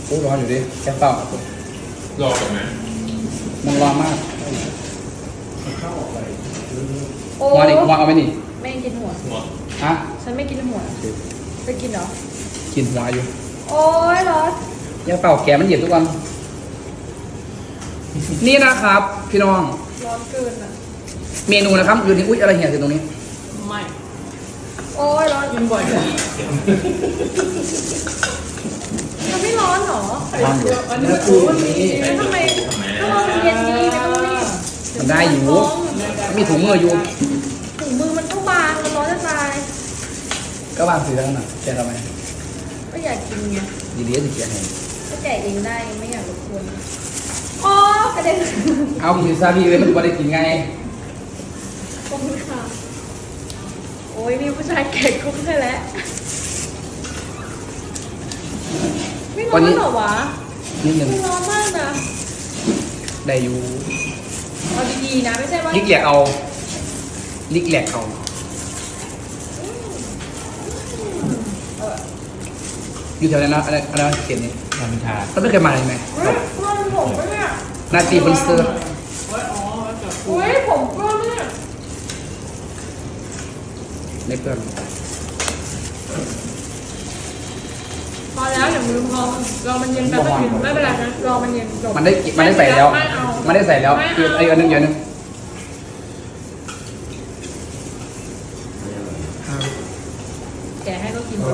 โอ้ร้อนอยู่ดิแค่เปล่ารอก่อนไหมมันร้อนมากโอ้วางดิวางเอาไว้นี่ไม่กินหัวหัวฮะฉันไม่กินหัวจะกินเหรอกินหัวอยู่โอ้ยร้อนแค่เปล่าแกมันเย็นทุกวันนี่นะครับ พี่น้องร้อนเกินอ่ะเมนูนะครับอยู่ที่อุ้ยอะไรเหี่ยอยู่ตรงนี้ไม่โอ้ยร้อนกินบ่อยเลยมันไม่ร้อนเหรอร้อนอยู่วันนี้กูนี่แล้วทำไมก็ร้อนมันเย็นดีไม่ต้องรีบมันได้อยู่มีถุงมืออยู่ถุงมือมันต้องบางมันร้อนจะตายก็วางสีแล้วนะแกทำไมก็อยากกินไงดีๆสิแกให้ก็แกะเองได้ไม่อยากรบกวนอ๋อ กระเด็นเอาพิซซ่าพี่เลยมันจะได้กินไงขอบคุณค่ะโอ้ยมีผู้ชายแกะกุ้งให้แล้วไม่ร้อนเหรอวะนิดนึงไม่ร้อนมากนะได้อยู่เอาดีๆนะไม่ใช่ว่าลิกแหลกเอาลิกแหลกเอาอยู่แถวนั้นนะอะไรเขียนนี่น้ำชาเราไม่เคยมาเลยไหมเฮ้ยเพื่อนผมปะเนี่ยนาตีบนเซอร์โอ้ยอ๋อแล้วกับกูเฮ้ยผมเพื่อนเนี่ยในเพื่อนพอแล้วอย่าลืมรอมันเย็นแป๊บนึงไม่เป็นไรนะรอมันเย็นจบมันได้ใส่แล้วไม่เอามันได้ใส่แล้วไม่เอาคือไอ้อันนึงเดี๋ยวนึงแกะให้ก็กิน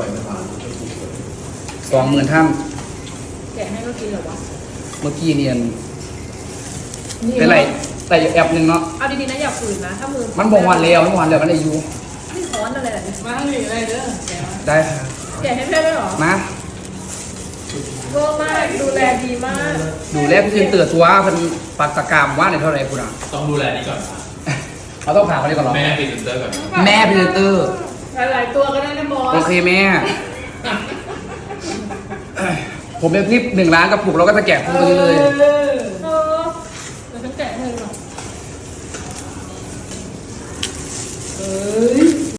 20,000ท่านแกะให้ก็กินเหรอวะเมื่อกี้เนียนเป็นไรแต่แอบหนึ่งเนาะเอาดีๆนะอย่าฝืนนะถ้ามือมันบอกวันแล้วมันได้อยู่ไม่ร้อนอะไรแบบนี้มาทั้งนี้อะไรเด้อแกมาได้ค่ะแกะให้เพื่อนด้วยเหรอมาเวอร์มากดูแลดีมากดูแลพี่เจนเตือตัวเพิ่นปักตะกรามว่าในเท่าไหร่คุณอ่ะต้องดูแลนี่ก่อนค่ะเราต้องผ่านเขาดีก่อนเหรอแม่พรีเซนเตอร์ก่อนแม่พรีเซนเตอร์หลายๆตัวก็ได้นะบอสโอเคแม่ ผมเป็นคลิป1 ล้านกระปุกเราก็จะแกะพวกนี้เลยเออ